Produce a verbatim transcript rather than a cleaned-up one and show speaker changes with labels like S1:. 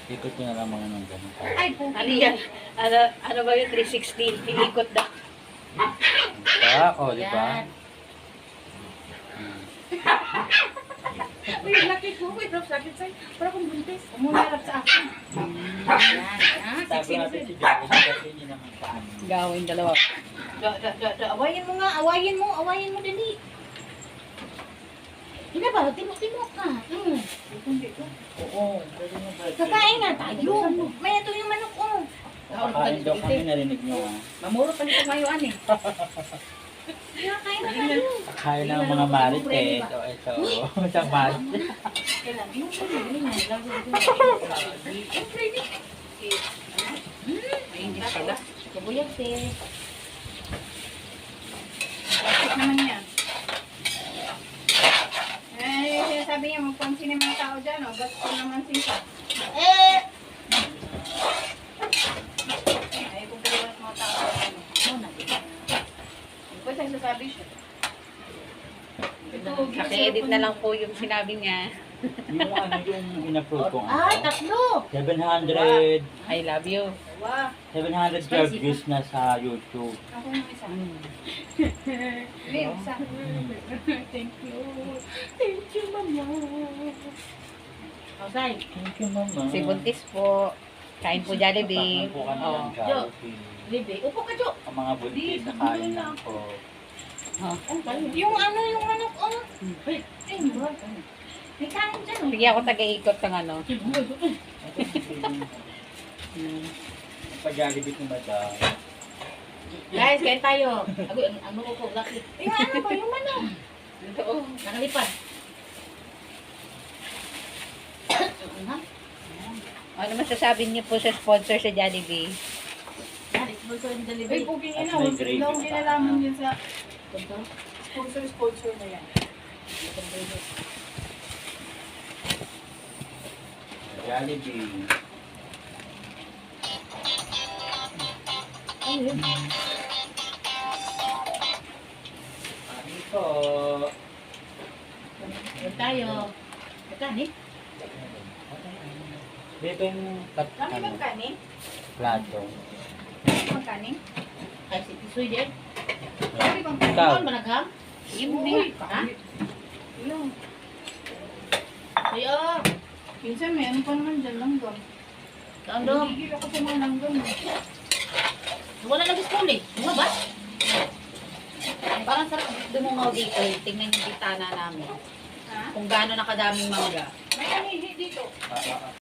S1: Ikot nyo na lang mga nang ganun.
S2: Ay, po.
S3: Ano yan? Ano, ano ba yung three sixty? Iikot na.
S1: Pa, o, di ba?
S3: Yan.
S2: Uy, laki ko. Uy, drop sakit sa'yo. Para kung buntis. Umularap sa akin.
S3: Yan. Ah,
S1: Sabi
S3: sexy na
S1: natin si Jackie, kasi hindi naman saan.
S3: Gawin dalawa. Da, da, da, da. Awayin mo nga, awayin mo, awayin mo dali.
S2: Hindi ba? Timok-timok ka. Mm.
S1: Oo, pwede mo ba?
S2: Kakain na tayo. May ito yung manok ko.
S1: Kakain daw kami, narinig nyo ah.
S3: Mamuro pa nito ngayon, ani.
S2: Kakain na tayo.
S1: Kakain ng mga marites. O, ito. Isang marites.
S2: Kailan? Yung pwede na. Yung pwede.
S3: Ay, hindi pala.
S2: Kabuyag, te. Bakit naman yan? Eh, sinasabi niya, magpansin yung mga tao dyan, oh. Ba't ko naman sinsa? Eh! Ay, kung pwede ba mga tao dyan, oh. Muna, di ba? Ba't nagsasabi siya? Ito,
S3: Naki-edit na lang po yung sinabi niya.
S1: Yung ano yung in-upload ko.
S2: Ay, tatlo!
S1: seven hundred.
S3: I love you.
S2: Wow.
S1: seven hundred twelve views na sa YouTube.
S2: Ako yung isa.
S3: Mm.
S2: May isa. Thank you. Thank you, mama.
S3: Okay.
S1: Thank you, mama.
S3: Si Buntis po. Kain po Jollibee.
S1: Po kami
S3: Oh.
S1: ng Jollibee.
S2: Libe. Upo ka, Jo.
S1: Ang mga buntis na kain lang po.
S2: Yung ano, yung manok, oh. Ay, ay, murag. May kain dyan, oh.
S3: Sige ako taga-ikot ng ano.
S1: Pag-Jollibee ko madam.
S3: Guys, kain tayo. Ako, ano, ano ko, laki.
S2: Yung ano ba, yung manok?
S3: Oo, nakalipad. Ano masasabi niyo po sa sponsor sa Jollibee?
S2: Ay, cooking ina.
S1: At may
S2: Huwag
S1: gravy
S2: lang
S1: pa.
S2: kinalaman yun sa sponsor-sponsor na yan.
S1: Jollibee.
S2: Ay, yun.
S1: Ano po?
S3: Kain tayo. Kain eh.
S1: Dito yung kat,
S2: Kami
S1: ano,
S2: magkanin?
S1: plato.
S2: Magkanin?
S3: Ay, si Tisoy din.
S2: Kami bang
S1: Ikaw.
S3: Ano ba nagham? Sige mo
S2: Uy,
S3: nga. Ha?
S2: Ilang.
S3: Ayo.
S2: Minsan may ano pa naman dyan, langgam.
S3: Tandong.
S2: Nagigil ako sa mga langgam. eh.
S3: Wala lagi school eh. Mga ba? Parang sarap dumungaw dito eh. Tingnan yung bitana namin.
S2: Ha?
S3: Kung gaano nakadaming mangga.
S2: May anihi dito.
S1: Ah, ah, ah.